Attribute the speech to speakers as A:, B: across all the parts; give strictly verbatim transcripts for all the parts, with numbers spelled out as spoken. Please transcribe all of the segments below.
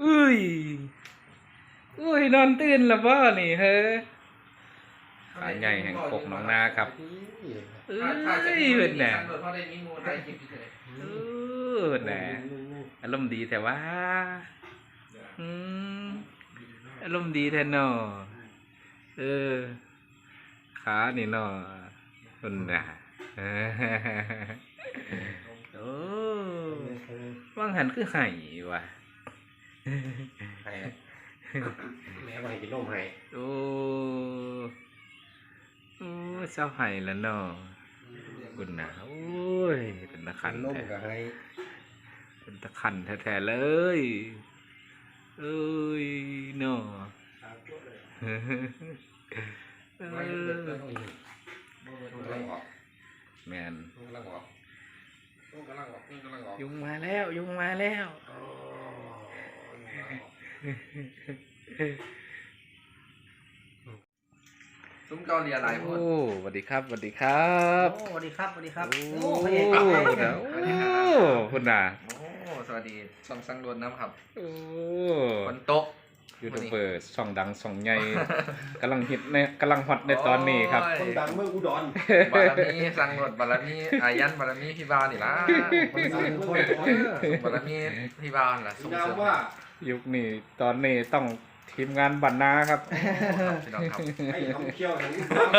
A: อุ้ยอุ้ยนอนตื่นแล้วบ่นี่เฮ้อขาใหญ่แห่งกกน้องนาครับเอ้ยเพิ่นน่ะเออน่ะอารมณ์ดีแต่ว่าอืมอารมณ์ดีแท้เนาะเออขานี่เนาะเพิ่นน่ะโอ้ว่างหันคือไห้ว่ะ
B: แม่ไปกินนมให้
A: โอ้โอ้เจ้าไห้แล้วเนาะคุณนะโอ้ยเป็นตะขัน
B: นม
A: แท้
B: ก็ให้
A: เป็นตะขันแท้ๆเลยเอ้ยเนาะเออแมนยุงมาแล้วยุงมาแล้ว
C: ซุ้มเกาหลีอะไรพูด
A: โอ้สวัสดีครับสวัสดีครับ
D: โอ้สวัสดีครับสวัสดีครับ
A: โอ้
D: โอ้พ
A: พ
D: ระ
A: ระ
D: เอ
A: เอก ก
D: ครับ
A: เด้อโอ้คุณน่ะ
C: โอ้สวัสดีช่องสังโดนน้ำครับ
A: โอ้
C: คนโต๊ะ
A: ยูทูบเบอร์ช่องดังช่องใหญ่กำลังฮิตในกำลังฮอตในตอนนี้ครับ
B: คนดังเมืองอุดร
C: บารมีสังโดนบารมีอายันบารมีพี่บาวนี่ล่ะ
B: คนดังคนดัง
C: บารมีพี่บาวล่ะส่ง
B: นา
C: เส
B: ม
C: ริม
B: ว่า
A: ยุคนี้ตอนนี้ต้องทีมงานบรรณาครับ
C: ครับพี่น้องครับ
B: ให้ทำเคี่ยวของ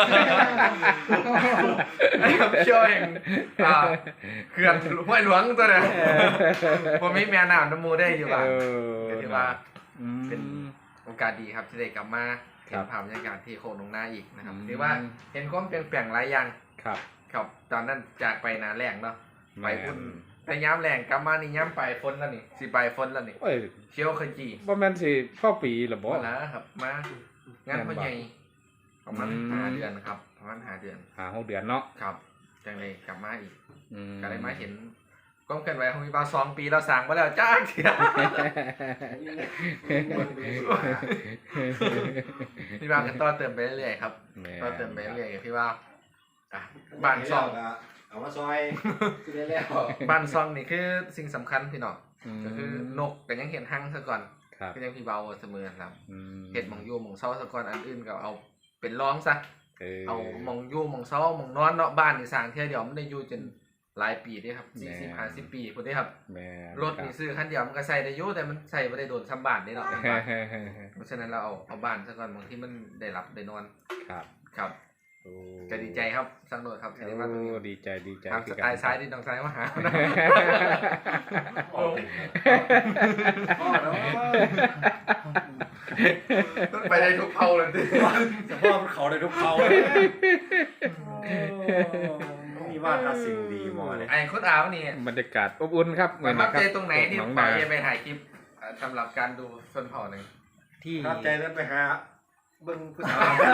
C: ไอ้ครับช่วยอ่าเขื่อนห้วยหลวงตัวเนี่ยผมมีแม่น้ำน้ำมูได้อยู่บ้าง
A: เออ
C: ก็ถือว่า
A: อืม
C: เป็น โอกาสดีครับที่ได้กลับมา
A: ค
C: เห็
A: รั
C: น
A: บ
C: ภาพบรรยากาศที่โคกหนองนาอีกนะครับ
A: อืม
C: ถือว่าเห็นความเปลี่ยนแปลงหลายอย่าง
A: ครับ
C: ครับตอนนั้นจากไปนาแรงเนาะไป
A: แม่
C: อุ่น
A: น
C: ไปย้ำแรงกลับมานี่ย้ำไปฝนแล้วนี่สิไปฝนแล้วนี่
A: โอ้ย
C: เชียวขจี
A: บ่แม่นสิพ่อปีหรอบ่
C: มาแล้วครับมางานพ่อใหญ่ประมาณ
A: อืม
C: ห้าเดือนครับประมาณห้าเดือน
A: หาหกเดือนเนาะ
C: ครับจังเลยกลับมาอีก
A: อืม
C: ก็เลยมาเห็นก้มกันไว้ของมีบาสองปีเราสั่งมาแล้วจ้าเถียพี่บากันต่อเติมไปเรื่อยๆครับ
A: แม่
C: ต่อเติมไปเรื่อยๆพี่ว่าอ่ะบ้านซอง
B: เอามาซอยคือได้แล้ว
C: บ้านซองนี่คือสิ่งสำคัญพี่น้อง
A: ม
C: ก็คือนกแต่ยังเห็นหั่งซะก่อน
A: ครับ
C: ก็ยังพี่เบาเสมอครับ
A: อืม
C: เห็ดหมองยูหมองเซาซะก่อนอันอื่นก็เอาเป็นร้องซะ
A: เออ
C: เอาหมองยูหมองเซาหมองนอนเนาะบ้านนี่สร้างเที่ยวเดียวมันได้อยู่จนหลายปีเด้ครับสี่สิบห้าสิบปีพุ่นเด้ครับ
A: แม่น
C: รถนี่ซื้อคันเดียวมันก็ใส่ได้อยู่แต่มันใส่บ่ได้โดนซ้ำบ้านเด้เนาะ
A: ครับ
C: เพราะฉะนั้นเราเอาเอาบ้านซะก่อนบางที่มันได้รับได้นอน
A: ครับ
C: ครับ
A: โอ้
C: ก็ดีใจครับสังโดดครับที่ได้มาตรงนี้
A: โอ้ดีใจดีใจ
C: ครับส
A: คือ
C: ไตล์ซ้ายดิน้องซ้ายมาหานะ
B: พ่อแล้ว
C: ไปได้ทุกเผาเลยดิ
B: จะพ่อมันเขาได้ทุกเขามีว่าทัดสิ่งดีมอเลย
C: ไอ้คุณอาวนี่
A: บรรยากาศอบอุ่นครับ
C: ประทับใจตรงไหนที่
A: น้อง
C: ไป
A: นา
C: ไปถ่ายคลิปสำหรับการดูชนเผ่าหนึ่ง
D: ที่
B: ทับใจนั้นไปหาเบิ้งผู้สาว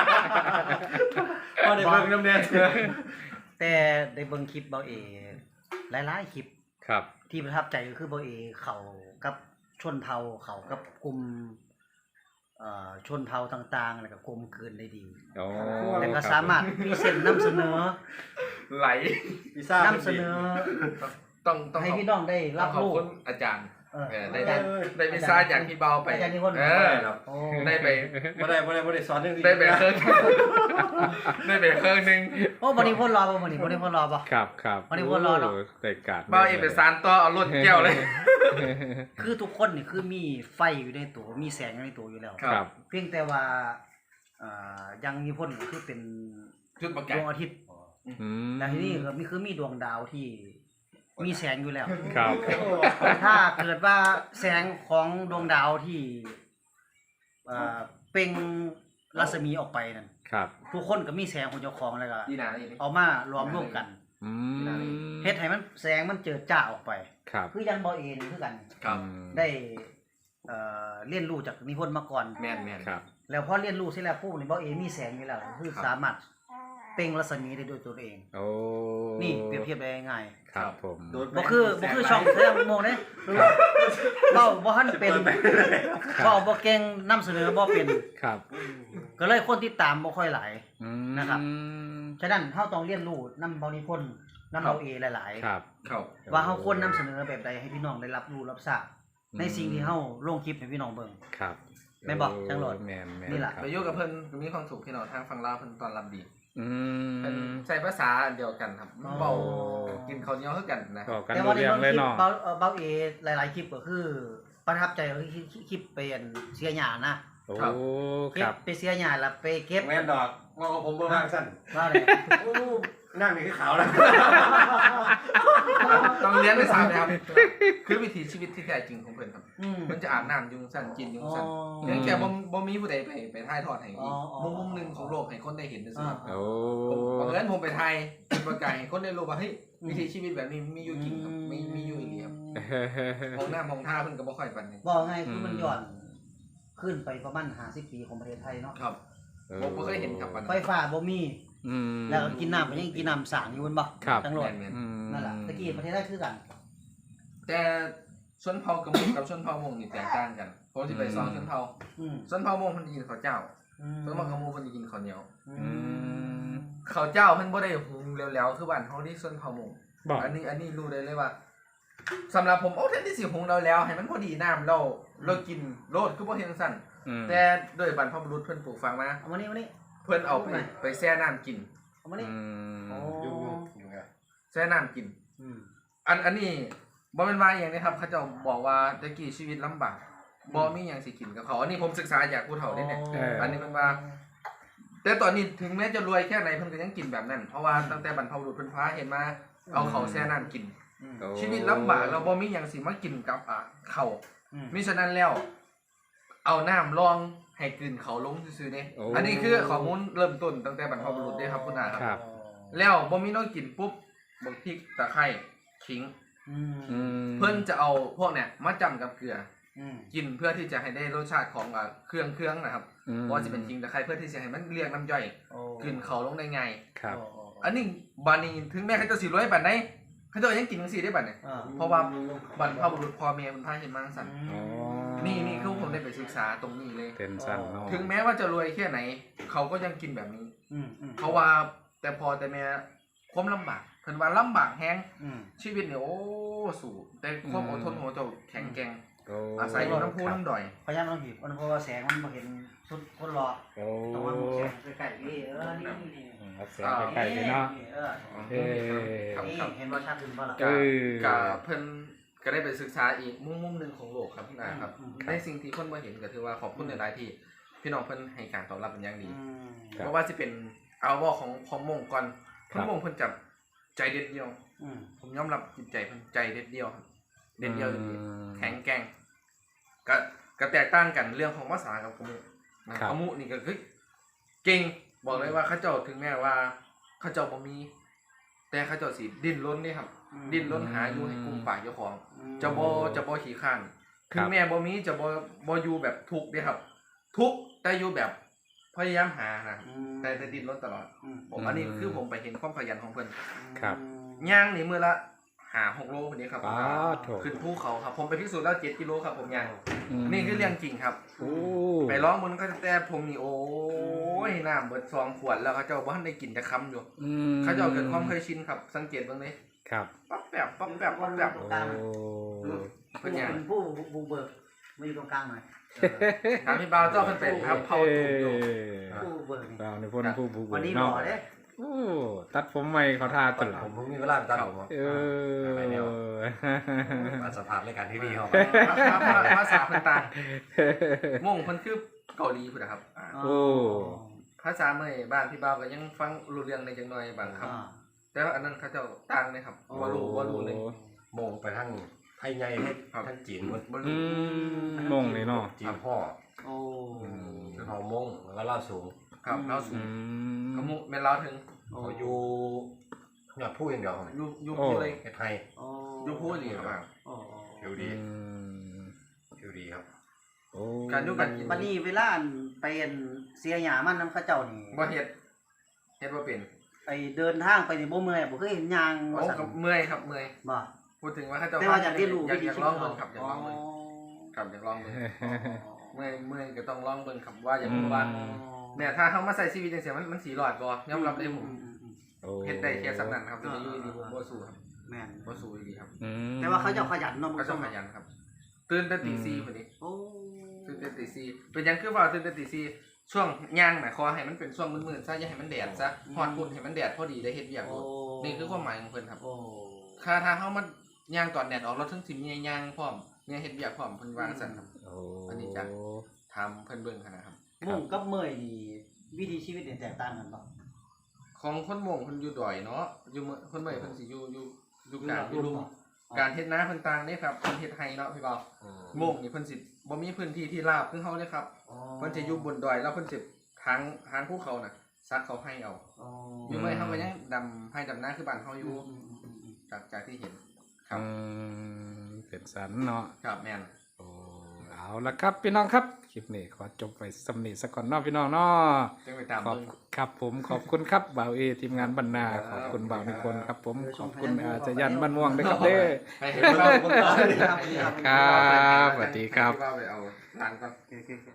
B: พ่อได้เบิ้งน้ำแดง
D: แต่ได้เบิ่งคลิปเบาเอหลายๆคลิป
A: ครับ
D: ที่ประทับใจก็คือเบาเอเขากับชนเผ่าเขากับกลุ่มเอ่อชนเผ่าต่างๆแล้วก็กลมกลืนได้ดี
A: โอ้
D: แล้วก็สามารถพรีเซนต์นำเสนอ
C: ไหล
B: พิซซ่าน
D: ำเสนอ
C: ต้องต้อง
D: ให้พี่น้องได้
C: รั
D: รั
C: บบ ขอบ
D: รู้
C: คุณอาจารย์
D: เออ
C: เออได้
D: อา
C: ได้
D: จารย์
C: ได้พิซซ่าจากพี่เบาไป
D: อาจารย์นิพนธ์
C: เออ
D: โอ้
C: ได้ไป
B: ไม่ได้ไม่ได้ไม่ได้สอนเรื่อง
C: ได้ไปเครื่องได้ไปเครื่องหนึ่ง
D: โอ้วันนี้พ่นรอป่ะวันนี้วันนี้พ่นรอป่ะ
A: ครับครับ
D: วันนี้วนรอเนอะ
A: โแต่การ
C: เบาเอกสารต่อเอารถแก้วเลย
D: คือทุกคนนี่คือมีไฟอยู่ในตัวมีแสงอยู่ในตัวอยู่แล้ว
A: ครับ
D: เพียงแต่ว่าเอ่อยังมีพ่นก็คือเป็น
C: ชุดประ
D: ด
C: กาศ
D: วงอาทิตย์
A: อืม
D: แต่ที่นี่ก็มีคือมีดวงดาวที่มีแสงอยู่แล้ว
A: ครับ
D: ถ้าเกิดว่าแสงของดวงดาวที่เอ่อเปล่งรัศมีออกไปนั่น
A: ครับ
D: ทุกคนก็มีแสงของเจ้าของแล้วก็
C: ดีนาอย่างนี้
D: เอามารวมร่วมกัน
A: อืม
D: เฮ็ดให้มันแสงมันเจิดจ้าออกไป
A: ครับ
D: คือยังบ่เองคือกัน
C: ครับ
A: อืม
D: ได้เอ่อเรียนรู้จากนิพนธ์มาก่อน
C: แมนแมน
A: ครับ
D: แล้วพอเรียนรู้เสร็จแล้วปุ๊บนี่บ่เอมีแสงอยู่แล้วคือ
C: ครับ
D: สามารถเปล่งรัศมีได้ด้วยตัวเอง
A: โอ้
D: นี่เปรียบเทียบได้ง่าย
A: ครับผม
D: ๆบ่คือบ่คือช่องแสดงโมงเด้เว้าบ่ทันเป็นเว้าบ่เก่งนำเสนอบ่เป็น
A: ครับ
D: ก็เลยคนติดตามบ่ค่อยหลาย
A: อืม
D: นะครับ ฉะนั้นเฮาต้องเรียนรู้นำเบานิพนธ์นำเบาเอหลาย
A: ครับ
C: ครับ
D: ๆว่าเฮาควรนำเสนอแบบใดให้พี่น้องได้รับรู้รับทราบในสิ่งที่เฮาลงคลิปให้พี่น้องเบิ่ง
A: ครับ
D: แม่นบ่จังหลอด
A: แม่นแม่น
D: นี่ล่ะ
A: ครับ
C: ไปอยู่กับเพิ่นก็มีความสุขพี่น้องทางฝั่งลาวเพิ่นต้อนรับดี
A: อื
C: เพิ่น
A: ม
C: ใช้ภาษาเดียวกันครับเว้ากินข้าวเหนียวคือกันนะ
A: บอกกัน
D: แต่
A: รู้
D: ว่าใน
A: เรื่อง
D: เบิ่ง
A: เลย
D: คลิป
A: เนาะ
D: เบาเอ่อเบาเอหลายๆคลิปก็คือ ประทับใจก็คือคลิปเป็นเสียหญ้านะ
A: โอ้
D: เก็
A: ครับ บ
D: ไปเสียหญ้าแล้วไปเก็บ
B: แม่นดอกงอกผมเบิ่งว่าสั้น
D: ว่าเลย
B: โอ้นั่งนี่คือขาวแล้ว
C: ต้องเรียนในสามนะครับคือวิถีชีวิตที่แท้จริงของเพิ่นครับ
D: อืม
C: มันจะอาบน้ำยุงสั่นกินยุง
D: อ๋อ
C: สั่นเพียงแค่บ่บ่มีผู้ใดไปไปถ่ายทอดให้
D: อ๋ออ๋อ
C: มุมมุมหนึงของโลกให้คนได้เห็นซื่อๆครับ
A: โอ้
C: ผมบังเอิญผมไปไทยเป็นประกาศให้คนได้รู้ว่าเฮ้ยวิถีชีวิตแบบนี้มีอยู่จริงครับมีมีอยู่อีกครับมองหน้ามองท่าเพิ่นก็บ่ค่อยปานนี้
D: บอกไงคือมันย้อนขึ้นไปประมาณห้าสิบปีของประเทศไทยเนาะ
C: ครับผมบ่เคยเห็นครับปาน
D: ไฟ
C: นั้น
D: ฟ้าบ่มี
A: อืม
D: แล้วก็กินน้ำก็ยังกินน้ำสางอยู่บนบ่
A: ครับ
D: จังหวัด
C: แม่น
A: อืม
D: นั่นแหละตะกี้ประเทศไทยคือกัน
C: ๆแต่ชนเผ่ากระมุกับชนเผ่ามงนี่แตกต่างกันผมสิไปสอนชนเผ่า
D: อืม
C: ชนเผ่ามงเพิ่นสิกินข้าวเจ้า
D: อืม
C: ชนเผ่ากระมุเพิ่นสิกินข้าวเหนียว
D: อื
A: อื
D: ม
A: ม
C: ข้าวเจ้าเพิ่นบ่ได้หุงแล้วๆคือบ้านเฮาที่ชนเผ่ามง
A: บอก
C: อันนี้อันนี้รู้ได้เลยว่าสำหรับผมโอ้แทนที่สิหุงแล้วๆให้มันพอดีน้ำเราเรากินโลดคือบ่เฮ็ดจังซั่น
A: อืม
C: แต่โดยบรรพบุรุษเพิ่นปลูกฝังมา
D: เอามานี่มานี่
C: เพิ่นเอาไปไปแช่น้ำกิน
D: เอามานี่
A: อืม
D: โอ้
B: อยู่อยู่ไง
C: แช่น้ำกิน
D: อืม
C: อันอันนี้บ่แม่นว่าอย่างนี้ครับเขาเจ้าบอกว่าตะกี้ชีวิตลำบากบ่มีหยังสิกินกับเขาอันนี้ผมศึกษาจากผู้เฒ่าเด้เนี่ย อันนี้มันว่า แต่ตอนนี้ถึงแม้จะรวยแค่ไหนเพิ่นก็ยังกินแบบนั้นเพราะว่าตั้งแต่บรรพบุรุษเพิ่นพาเห็นมาเอาเขาวแช่น้ำกิน
D: อืม
A: โอ้
C: ชีวิตลำบากเราบ่มีหยังสิมากินกับอ่ะเขาว
D: อืม
C: มิฉะนั้นแล้ว เอาน้ำรองให้กลืนเขาลงซื่อๆเด้
A: โอ้
C: อันนี้คือข้อมูลเริ่มต้นตั้งแต่บรรพบุรุษเด้ครับคุณอาครับ
A: ครับ
C: แล้วบ่มีน้อยกินปุ๊บบักพริกตะไคร้ขิง
D: อืม
A: อืม
C: เพิ่นจะเอาพวกเนี้ยมาจำกับเกลือ
D: อืม
C: กินเพื่อที่จะให้ได้รสชาติของอ่ะเครื่องเครื่องนะครับ
A: อืม
C: ว่าจะเป็นขิงตะไคร้เพื่อที่จะให้มันเรียกน้ำย่อย
D: โอ้
C: กลืนเขาลงได้ไง
A: ครับ
D: โโ
C: อันนี้บานี้ถึงแม้เขาจะสิรวยปานใดเขาเจะยังกินจังซี่ได้บัดเนี่ย
D: อ่า
C: เพราะว่าบรรพบุรุษพ่อแม่เพิ่นพาเฮ็ดมาจังซั่น
A: อ๋อ
C: นี่นี่คือผมได้ไปศึกษาตรงนี้เลย
A: เต็นสั้นเนาะ
C: ถึงแม้ว่าจะรวยแค่ไหน เขาก็ยังกินแบบนี้
D: อืมอืม
C: เพราะว่าแต่พอแต่แม่ความลำบากเพิ่นว่าลำบากแฮง
D: อืม
C: ชีวิตเนี่ยโอ้สู้แต่ความอดทนของเจ้าแข็งแกร่ง
A: โอ้
C: อาศัยอยู่น้ำพุน้ำดอย
D: พยายามต้องหยิบมันเพราะว่าแสงมันบ่เห็นสุดคนรอ
A: โอ้
D: ต้องมาแสงใกล้ๆนี่เออนี่นี่
A: อืมเอาแสงใกล้ๆเลยเนาะ
D: เออ
A: เอ้ย
C: ครับ
D: นี่
C: ครับ
D: เห็นว่าชัดขึ้นบ่ล่ะ
A: เออ
C: กะเพิ่นก็ได้ไปศึกษาอีกมุมมุมหนึ่งของโลกครับพี่นาครับ
D: อืม
C: ในสิ่งที่คนมาเห็นก็ถือว่าขอบคุณในหลายๆที่พี่น้องเพิ่นให้การตอบรับเป็นอย่างดี
D: อืม
A: ครับ
C: เพราะว่าสิเป็นเอาว่าของของมงก่อน
A: ครั
C: เพิ่
A: บ
C: นมงเพิ่นจับใจเด็ดเดียว
D: อืม
C: ผมยอมรับจิตใจเพิ่นใจเด็ดเดียวครับเด็ดเดียวจริง
A: อืม
C: ๆแข็งแกร่งก็ก็แตกต่างกันเรื่องของภาษากับขมุนะครับ ขมุนี่ก็คือเก่งบอกเลยว่าเขาเจ้าถึงแม้ว่าเขาเจ้าบ่มี แต่เขาเจ้าสิดิ้นรนนี่ครับ ดิ้นรนหาอยู่ให้กลุ่มป่าเจ้าของ จะบ่จะบ่ขี้ข้านถึงแม้บ่มีจะบ่บ่อยู่แบบทุกข์เด้ครับ ทุกข์แต่อยู่แบบพยายามหานะ
D: อืม
C: แต่แต่ดิ้นรนตลอด
D: อืม
C: ผมอันนี้คือผมไปเห็นความขยันของเพิ่น
A: ครับ
C: ย่างนี่มื้อละหาหกโลคนนี้ครับ
A: ป้าโถ
C: ขึ้นภูเขาครับ ผมไปพิสูจน์แล้วเจ็ดกิโลครับผมย่าง
A: ม
C: นี่คือเรื่องจริงครับ
A: โอ้
C: ไปร้องมันก็แต่ผมนี่โอ้ยน้ำเบิดซองขวดแล้วเขาเจ้าบ่ทันได้กินจะคำอยู่
A: อืม
C: เขาเจ้าเกิดความเคยชินครับ สังเกตเบิ่งเลย
A: ครับ
C: ปั๊บแบบปั๊บแบบปั๊บแบบ
A: โอ้
C: เพิ่นย่าง
D: เป็นผู้บุกเบิกมาอยู่ตรงกลางหน่อย
C: ถามพี่บ่าวเจ้าเพิ่นเป็นครับเผาถูกอยู่
D: ผู้บุกเบิกนี่
A: เราในพนผู้บุก
D: วันนี้หล่
A: เนาะ
D: อเด้
A: โอ้ตัดผมใหม่เขาทาตลอ
B: ผ
A: ด
B: มผมมีเวลาไปตัดผม
A: เออ
B: ไปแนวมาสภาพรายการที่ดีเข้า
C: ภาษาเพิ่นต่างม่งเพิ่นคือเกาหลีพุ่นนะครับอ่า
A: โอ้
C: ภาษาเมื่อยบ้านพี่บ่าวก็ยังฟังรู้เรื่องในจังหน่อยบางค
D: อ่า
C: ำแต่ว่าอันนั้นเขาเจ้าต่างเลยครับบ่รู้บ่รู้เลย
B: มองไปทั้งไทยใหญ่ทั้งจีนหมด
C: บ่
A: อื
C: รู้
A: มมงเลยเนาะ
B: จีนพ่อ
D: โอ้
B: เฮามงแล้วก็เล่าสูง
C: ครับเราสู
A: อื
C: ง
A: ม
C: ขมุแม่นเราถึง
B: เขาอยู่เนี่ยพูดอย่างเดียว
C: อยู่อยู่
A: โอ้
C: พูดเลย
B: เฮ็ดไทย
D: โอ้
C: อยู่พูดเลยครับ
D: โอ้
B: ผิว
A: อื
B: ดี
A: ม
B: ผิวดีครับ
A: โอ้
C: การอยู่กันกิน
D: บัดนี้เวลาอันไปอันเสียหยามันนำเขาเจ้านี่
C: บ่เฮ็ดเฮ็ดบ่เป็น
D: ไปเดินทางไปนี่บ่เมื่อยบ่เคยเห็นยาง
C: โอ้
D: ว่าซั่น
C: กับเมื่อยครับเมื่อย
D: บ่
C: พูดถึงว่าเขาเจ้า
D: แต่ว่าอยากเรียนรู้
C: อยาก
D: วิธี
C: อยาก
D: ชี
C: ล
D: วิ
C: อง
D: ต
C: เบิ่งครับอยากลองเบิ่งครับอยากลองเบิ่งเมื่อยเมื่อยก็ต้องลองเบิ่งครับว่าอยากรู้ว่าเนี่ยถ้าเฮามาใส่ชีวิตจังซี่มันมันสิรอดบ่ยอมรับได้ผม
A: โอ้
C: เฮ็ดได้แค่สำนั้นครับจะอยู่ดีผมบ่สู้ครับ
D: แม่น
C: บ่สู้ดีครับ
A: อืม
D: แต่ว่าเขาเจ้าขยันเนาะ
C: ก็ต้องขยันครับตื่นแต่ตีสี่พอดี
D: โอ้
C: ตื่นแต่ตีสี่เป็นหยังคือว่าตื่นแต่ตีสี่ช่วงย่างหมายความให้มันเป็นช่วงมืดๆซะอย่าให้มันแดดซะฮอดพุ่นให้มันแดดพอดีได้เฮ็ดเวียก
D: โอ้
C: นี่คือความหมายของเพิ่นครับ
D: โอ้
C: ถ้าถ้าเฮามันย่างตอนแดดออกเราถึงสิมีย่างพร้อมมีเฮ็ดเวียกพร้อมเพิ่นวาจังซั่นครับ
A: โอ้
C: อันนี้จ้ะ ทำเพิ่นเบิ่งหั่นนะครับ
D: มุ่งกับเมยนี่วิถีชีวิตเนี่ยแตกต่างกันบ่
C: ของคนหม่งเพิ่นอยู่ดอยเนาะอยู่เมืองคนเมื่อยเพิ่นสิอยู่อยู่อยู่กลางอ
D: อยู่
C: ยู่
D: ลุ่
C: ลุ่
D: ม
C: มการเฮ็ดนาเพิ่นต่างเด้ครับเพิ่นเฮ็ดไร่เนาะพี่บ่าว
B: อืม
C: หม่งนี่เพิ่นสิบ่มีพื้นที่ที่ราบคือเฮาเด้ครับ
D: อ๋อ
C: เพิ่นจะอยู่บนดอยแล้วเพิ่นสิทางทางภูเขาน่ะซักเขาให้เอา
D: อ๋อ
C: อยู่เมื่อยเฮาก็ยังดำให้ดำนาคือบ้านเฮาอยู่
D: อืมอืมอืมอืม
C: จากจากที่เห็นครับ
A: อืมเป็นสันเนาะ
C: ครับแม่น
A: โอ้เอาละครับพี่น้องครับคลิปนี้ขอจบไปสำนีสักก่อนเนาะพี่น้องเนาะ
C: จังไปตาม
A: ขอบ
C: เบิ่ง
A: ครับผมขอบคุณครับบ่าวเอทีมงานบรรณาขอบคุณบ่าวนิพนธ์ครับผมขอบคุณอาจารย์ยันบ้านม่วงด้วยครับเด้อ
C: ให้เห็นเราเบิ่งก่อน
A: ครับสวัสดีครับ
C: ที่ว่าไปเอาร้านก่อน